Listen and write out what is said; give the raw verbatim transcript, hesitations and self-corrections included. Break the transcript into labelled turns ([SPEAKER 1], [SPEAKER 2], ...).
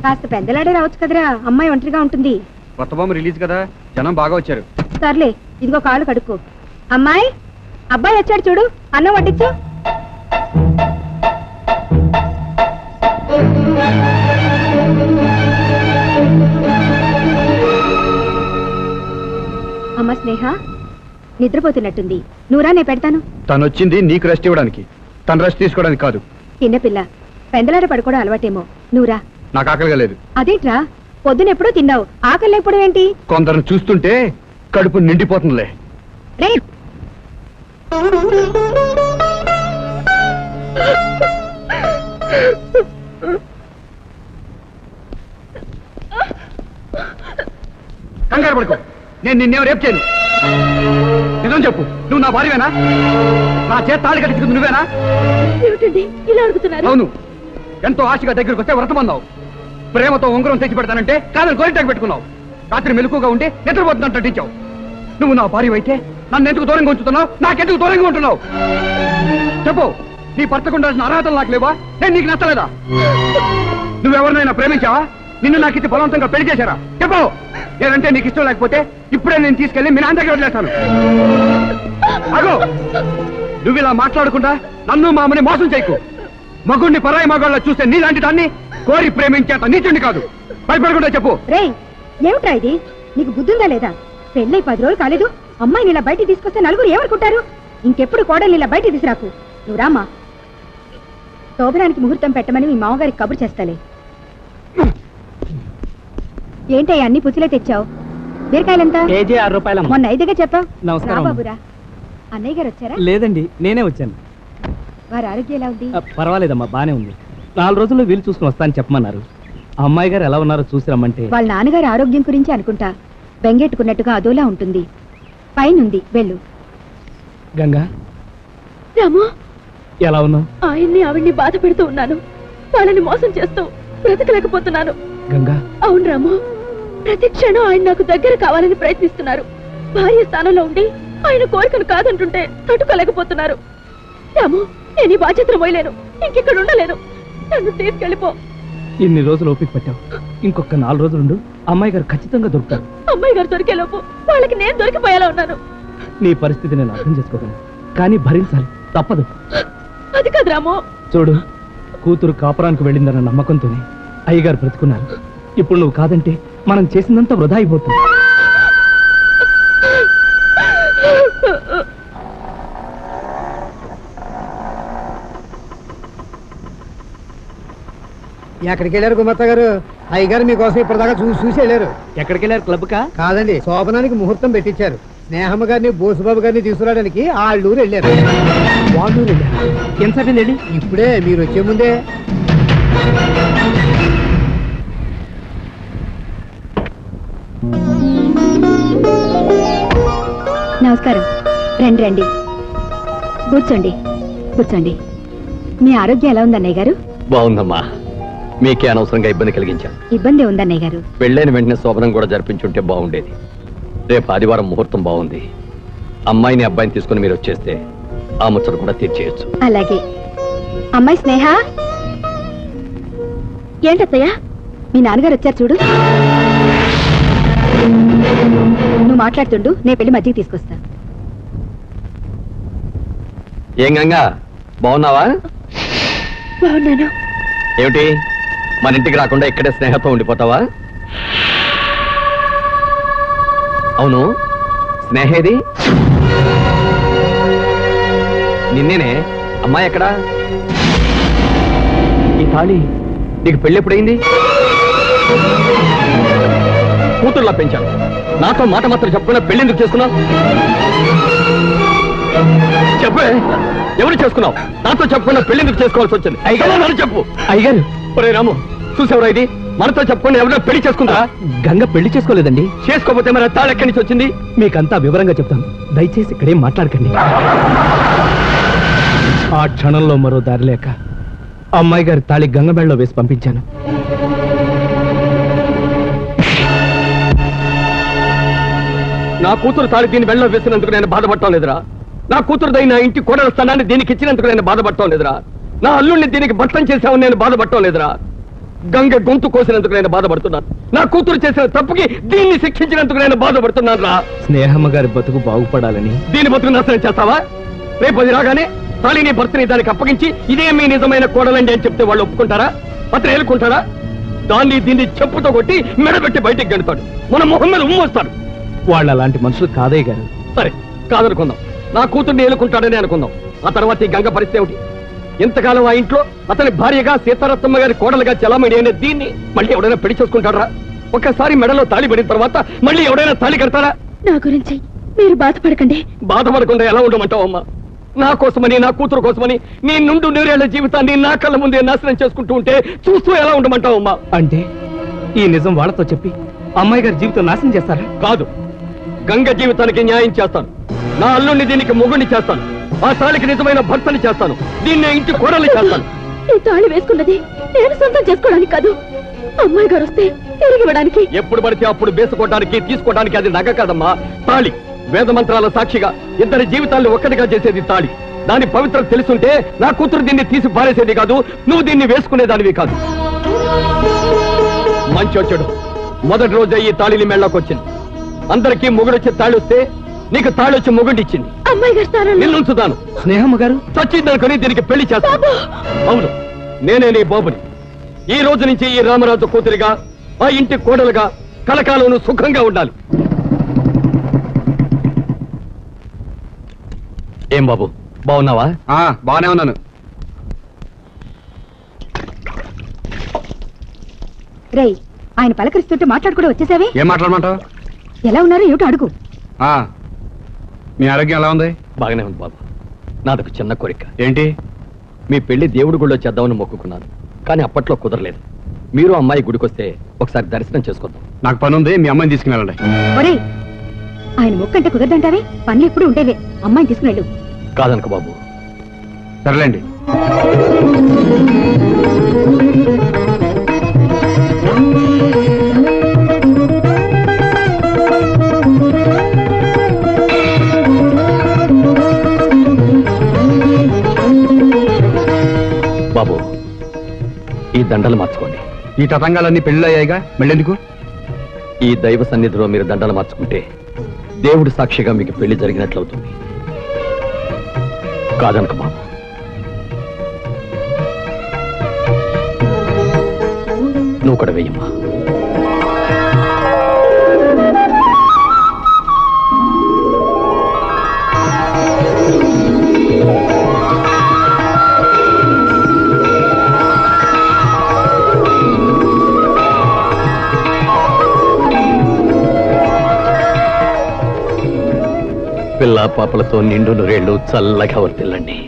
[SPEAKER 1] కాస్త పెద్దలాడే రావచ్చు కదరా, అమ్మాయి ఒంటరిగా ఉంటుంది.
[SPEAKER 2] కొత్త బొమ్మ రిలీజ్ కదా, జనం బాగా వచ్చారు.
[SPEAKER 1] సర్లే, ఇదిగో కాళ్ళు కడుక్కో. అమ్మాయి, అబ్బాయి వచ్చాడు చూడు, అన్నం వడ్డించు. అమ్మ స్నేహ నిద్రపోతున్నట్టుంది, నువ్వురా, నేను పెడతాను.
[SPEAKER 2] తను వచ్చింది నీకు రెస్ట్ ఇవ్వడానికి, తను రెస్ట్ తీసుకోవడానికి కాదు.
[SPEAKER 1] చిన్నపిల్ల పెందలాడ పడుకోవడం అలవాటేమో, నువ్వురా.
[SPEAKER 2] నాకు ఆకలిగా లేదు.
[SPEAKER 1] అదేంట్రా, పొద్దునెప్పుడూ తిన్నావు, ఆకలి లేకపోవడం ఏంటి?
[SPEAKER 2] కొందరు చూస్తుంటే కడుపు నిండిపోతుందిలే.
[SPEAKER 1] రే
[SPEAKER 2] కంగారు పడుకో, నేను నిన్నేమో రేపు చేయను. నిజం చెప్పు, నువ్వు నా భార్యవేనా? నా చేత తాళి కట్టించుకుంది నువ్వేనా?
[SPEAKER 1] ఏమిటండి ఇలా అడుగుతున్నారు?
[SPEAKER 2] అవును, ఎంతో ఆశగా దగ్గరికి వస్తే వ్రతమన్నావు, ప్రేమతో ఉంగరం తెచ్చి పెడతానంటే కాదని గోరింటాకు పెట్టుకున్నావు. రాత్రి మెలకుగా ఉంటే నిద్రపోతున్నట్టు నటించావు. నువ్వు నా భార్య అయితే నన్ను ఎందుకు దూరంగా ఉంచుతున్నావు? నాకెందుకు దూరంగా ఉంటున్నావు? చెప్పు, నీ భర్తకు ఉండాల్సిన అర్హతలు నాకు లేవా? నేను నీకు నచ్చలేదా? నువ్వెవరినైనా ప్రేమించావా? నిన్ను నాకు ఇది బలవంతంగా పెళ్లి చేశారా? చెప్పు. లేదంటే నీకు ఇష్టం లేకపోతే ఇప్పుడే నేను తీసుకెళ్లి మీ నాన్న దగ్గర వదిలేస్తాను. అగో, నువ్వు ఇలా మాట్లాడకుండా నన్ను మామని మోసం చేయకు. మగుణ్ణి పరాయి మగాళ్ళ చూస్తే నీలాంటి దాన్ని కోరి ప్రేమించేంత నీచుండి కాదు. భయపడకుండా చెప్పు.
[SPEAKER 1] రే ఏమిట్రా ఇది, నీకు బుద్ధుందా లేదా? పెళ్ళై పది రోజులు కాలేదు, అమ్మాయిని ఇలా బయటికి తీసుకొస్తే నలుగురు ఏమనుకుంటారు? ఇంకెప్పుడు కోడల్ని ఇలా బయటికి తీసుకురాకు. నువ్వు రామా, శోభనానికి ముహూర్తం పెట్టమని మీ మామగారికి కబురు చేస్తాలే. ఏంటయ్యా అన్ని పుచ్చులే తెచ్చావు? బీరకాయలంతా
[SPEAKER 3] కేజీ ఆరు రూపాయలు.
[SPEAKER 1] మొన్న ఐదుగా చెప్పావు.
[SPEAKER 3] నమస్కారం
[SPEAKER 1] బాబురా, అన్నయ్య గారు వచ్చారా?
[SPEAKER 3] లేదండి, నేనే వచ్చాను.
[SPEAKER 1] వారి ఆరోగ్యం ఎలా ఉంది?
[SPEAKER 3] పర్వాలేదమ్మా, బానే ఉంది. నాలుగు రోజుల్లో వీలు చూసుకుని వస్తానని చెప్పమన్నారు. అమ్మాయి గారు ఎలా ఉన్నారో చూసి రమ్మంటే.
[SPEAKER 1] వాళ్ళ నాన్నగారి ఆరోగ్యం గురించి అనుకుంటా, బెంగెట్టుకున్నట్టుగా అదోలా ఉంటుంది. పైనుంది, వెళ్ళు.
[SPEAKER 3] గంగా,
[SPEAKER 4] రాము,
[SPEAKER 3] ఎలా ఉన్నావు?
[SPEAKER 4] ఆయన్ని ఆవిడ్ని బాధ పెడుతూ ఉన్నాను, వాళ్ళని మోసం చేస్తూ బ్రతకలేకపోతున్నాను.
[SPEAKER 3] గంగా,
[SPEAKER 4] అవును రాము, ప్రతి క్షణం ఆయన నాకు దగ్గర కావాలని ప్రయత్నిస్తున్నారు. భార్య స్థానంలో ఉండి ఆయన కోరికను కాదంటుంటే తట్టుకోలేకపోతున్నారు. రాము, నేను ఈ బాధ్యతను మోయలేను, ఇంకెక్కడ ఉండలేను, నన్ను తీసుకెళ్ళిపో.
[SPEAKER 3] ఇన్ని రోజులు ఓపిక పట్టావు, ఇంకొక నాలుగు రోజులుండు, అమ్మాయి గారు ఖచ్చితంగా దొరుకుతారు.
[SPEAKER 4] అమ్మాయి గారు దొరికేలోపు వాళ్ళకి నేను దొరికిపోయేలా ఉన్నాను.
[SPEAKER 3] నీ పరిస్థితి నేను అర్థం చేసుకోగలను, కానీ భరించాలి, తప్పదు.
[SPEAKER 4] అది కాదు రాము.
[SPEAKER 3] చూడు, కూతురు కాపురానికి వెళ్ళిందన్న నమ్మకంతోనే అయ్యగారు బ్రతుకున్నారు. ఇప్పుడు నువ్వు కాదంటే మనం చేసిందంతా వృధా అయిపోతుంది.
[SPEAKER 5] ఎక్కడికి వెళ్ళారు గుమత్త గారు? అయ్యగారు మీకోసం ఇప్పటిదాకా చూసి చూసి వెళ్ళారు.
[SPEAKER 3] ఎక్కడికి వెళ్ళారు? క్లబ్ కా?
[SPEAKER 5] కాదండి, శోభనానికి ముహూర్తం పెట్టించారు. స్నేహమ్మ గారిని బోసుబాబు గారిని తీసుకురావడానికి ఆళ్ళూరు వెళ్ళారు.
[SPEAKER 3] వాళ్ళు ఎంతసేపు వెళ్ళి?
[SPEAKER 5] ఇప్పుడే, మీరు వచ్చే ముందే.
[SPEAKER 1] నమస్కారం. రండి రండి, కూర్చోండి కూర్చోండి. మీ ఆరోగ్యం ఎలా ఉంది అన్నయ్య గారు?
[SPEAKER 6] బాగుందమ్మా. మీకే అనవసరంగా ఇబ్బంది కలిగించాను.
[SPEAKER 1] ఇబ్బంది ఉంది అన్నయ్య గారు.
[SPEAKER 6] పెళ్ళైన వెంటనే శోభనం కూడా జరిపించుంటే బాగుండేది. రేపు ఆదివారం ముహూర్తం బాగుంది. అమ్మాయిని అబ్బాయిని తీసుకుని మీరు వచ్చేస్తే ఆ ముచ్చట కూడా తీర్చేయచ్చు.
[SPEAKER 1] అలాగే. అమ్మాయి స్నేహ.
[SPEAKER 4] ఏంటత్తయ్య?
[SPEAKER 1] మీ నాన్నగారు వచ్చారు చూడు. నువ్వు మాట్లాడుతుండు, నేను పెళ్లి మధ్యకి తీసుకొస్తా.
[SPEAKER 6] ఏం గంగా, బాగున్నావా?
[SPEAKER 4] బాగున్నాను.
[SPEAKER 6] ఏమిటి, మన ఇంటికి రాకుండా ఇక్కడే స్నేహంతో ఉండిపోతావా? అవును, స్నేహేది? నిన్నేనే. అమ్మాయి ఎక్కడా? ఈ తాళి నీకు పెళ్ళి ఎప్పుడైంది? కూతుర్లా పెంచాను, నాతో మాట మాత్రం చెప్పుకున్నా పెళ్లి ఎందుకు చేసుకున్నావు? చెప్పే, ఎవరు చేసుకున్నావు? నాతో చెప్పుకున్నా పెళ్లి ఎందుకు చేసుకోవాల్సి వచ్చింది? అయ్యగారు చెప్పు.
[SPEAKER 3] అయ్యగారు,
[SPEAKER 6] ఒరే రాము, చూసేవరా ఇది? మనతో చెప్పుకుని ఎవరైనా పెళ్లి చేసుకుంటా?
[SPEAKER 3] గంగ పెళ్లి చేసుకోలేదండి.
[SPEAKER 6] చేసుకోకపోతే మరి తాళి ఎక్కడి నుంచి వచ్చింది?
[SPEAKER 3] మీకంతా వివరంగా చెప్తాను, దయచేసి ఇక్కడేం మాట్లాడకండి. ఆ క్షణంలో మరో దారి లేక అమ్మాయి గారి తాళి గంగబెళ్ళలో వేసి పంపించాను.
[SPEAKER 6] నా కూతురు తాళి దీన్ని వెళ్ళలో వేసినందుకు నేను బాధపడటం లేదురా. నా కూతురు దైన ఇంటి కోడల స్థానాన్ని దీనికి ఇచ్చినందుకు నేను బాధపడటం లేదురా. నా అల్లుడిని దీనికి భర్తం చేశావని నేను బాధపడటం లేదురా. గంగ గొంతు కోసినందుకు నేను బాధపడుతున్నాను. నా కూతురు చేసిన తప్పుకి దీన్ని శిక్షించినందుకు నేను బాధపడుతున్నాను రా.
[SPEAKER 3] స్నేహమ్మ గారి బతుకు బాగుపడాలని
[SPEAKER 6] దీని బతుకు నాశనం చేస్తావా? రేపు అది రాగానే తాళిని భర్తని దానికి అప్పగించి ఇదే మీ నిజమైన కోడలండి అని చెప్తే వాళ్ళు ఒప్పుకుంటారా? అతను ఏలుకుంటారా? దాన్ని దీన్ని చెప్పుతో కొట్టి మెడబెట్టి బయటికి గెడతాడు. మన మొహం మీద ఉమ్మొస్తాడు.
[SPEAKER 3] వాళ్ళు అలాంటి మనుషులు కాదయ్య గారు.
[SPEAKER 6] సరే కాదనుకుందాం, నా కూతుర్ని ఏలుకుంటాడని అనుకుందాం. ఆ తర్వాత ఈ గంగ పరిస్థితి ఏమిటి? ఎంతకాలం ఆ ఇంట్లో అతని భార్యగా సీతారత్నమ్మ గారి కోడలుగా చలామణి అనే దీన్ని మళ్ళీ ఎవడైనా పెళ్లి చేసుకుంటారా? ఒక్కసారి మెడలో తాళి పడిన తర్వాత మళ్ళీ ఎవడైనా తాళి కడతారా?
[SPEAKER 4] నా గురించి మీరు బాధపడకండి.
[SPEAKER 6] బాధపడకుండా ఎలా ఉండమంటావు అమ్మా? నా కోసమని, నా కూతురు కోసమని నీ నుండు నూరేళ్ల జీవితాన్ని నా కళ్ళ ముందే నాశనం చేసుకుంటూ ఉంటే చూస్తూ ఎలా ఉండమంటావు అమ్మా?
[SPEAKER 3] అంటే ఈ నిజం వాళ్ళతో చెప్పి అమ్మాయి గారి జీవితం నాశనం చేస్తారా?
[SPEAKER 6] కాదు, గంగ జీవితానికి న్యాయం చేస్తాను. నా అల్లుణ్ణి దీనికి మొగుణ్ణి చేస్తాను. ఆ తాళికి నిజమైన భర్తని చేస్తాను. దీన్ని ఇంటి కోడల్ని చేస్తాను.
[SPEAKER 4] ఈ తాళి వేసుకున్నది నేను సొంతం చేసుకోవడానికి కాదు, అమ్మాయి గారు వస్తే తిరిగి ఇవ్వడానికి.
[SPEAKER 6] ఎప్పుడు పడితే అప్పుడు వేసుకోవడానికి తీసుకోవడానికి అది నగ కాదమ్మా, తాళి. వేద మంత్రాల సాక్షిగా ఇద్దరి జీవితాన్ని ఒక్కటిగా చేసేది తాళి. దాని పవిత్రత తెలుసుంటే నా కూతురు దీన్ని తీసి పారేసేది కాదు, నువ్వు దీన్ని వేసుకునేదానివి కాదు. మంచి వచ్చాడు. మొదటి రోజే ఈ తాళిని మెళ్ళకొచ్చింది. అందరికీ మొగుడొచ్చి తాళి వస్తే నీకు తాళి వచ్చి మొగుడిచ్చింది.
[SPEAKER 4] అమ్మాయి గారు స్థానంలో
[SPEAKER 6] నిన్నుంచుతాను.
[SPEAKER 3] స్నేహమ్మ గారు
[SPEAKER 6] చచ్చిందనుకుని దీనికి పెళ్లి చేస్తాను. అవును, నేనే నీ బాబుని. ఈ రోజు నుంచి ఈ రామరాజు కూతురిగా, ఆ ఇంటి కోడలుగా కలకాలం సుఖంగా ఉండాలి. ఏం బాబు, బాగున్నావా?
[SPEAKER 2] ఆ, బాగానే ఉన్నాను.
[SPEAKER 1] రేయ్, ఆయన పలకరిస్తుంటే మాట్లాడుకుంటూ వచ్చేసావే.
[SPEAKER 2] ఏం మాట్లాడమంటావు?
[SPEAKER 1] ఎలా ఉన్నారో ఏమిటో అడుగు.
[SPEAKER 2] ఆ, మీ ఆరోగ్యం ఎలా ఉంది?
[SPEAKER 6] బాగానే ఉంది బాబు. నాదొక చిన్న కోరిక.
[SPEAKER 2] ఏంటి?
[SPEAKER 6] మీ పెళ్లి దేవుడి గుళ్ళో చేద్దామని మొక్కుకున్నాను, కానీ అప్పట్లో కుదరలేదు. మీరు అమ్మాయి గుడికొస్తే ఒకసారి దర్శనం చేసుకుందాం.
[SPEAKER 2] నాకు పని ఉంది, మీ అమ్మాయిని తీసుకుని వెళ్ళండి.
[SPEAKER 1] ఒరేయ్, ఆయన మొక్కంటే కుదరదంటావే. పనులు ఎప్పుడు ఉండేవే. అమ్మాయిని తీసుకుని వెళ్ళు.
[SPEAKER 6] కాదనుకో బాబు.
[SPEAKER 2] సర్లేండి.
[SPEAKER 6] బాబు, ఈ దండలు మార్చుకోండి.
[SPEAKER 2] ఈ తతంగాలన్నీ పెళ్లి అయ్యాయిగా, మళ్ళెందుకు?
[SPEAKER 6] ఈ దైవ సన్నిధిలో మీరు దండలు మార్చుకుంటే దేవుడి సాక్షిగా మీకు పెళ్లి జరిగినట్లవుతుంది. కాదనుక బాబు. నువ్వు కూడా వెయ్యమ్మా. పిల్ల పాపలతో నిండు నూరేళ్లు చల్లగా వర్తిల్లండి.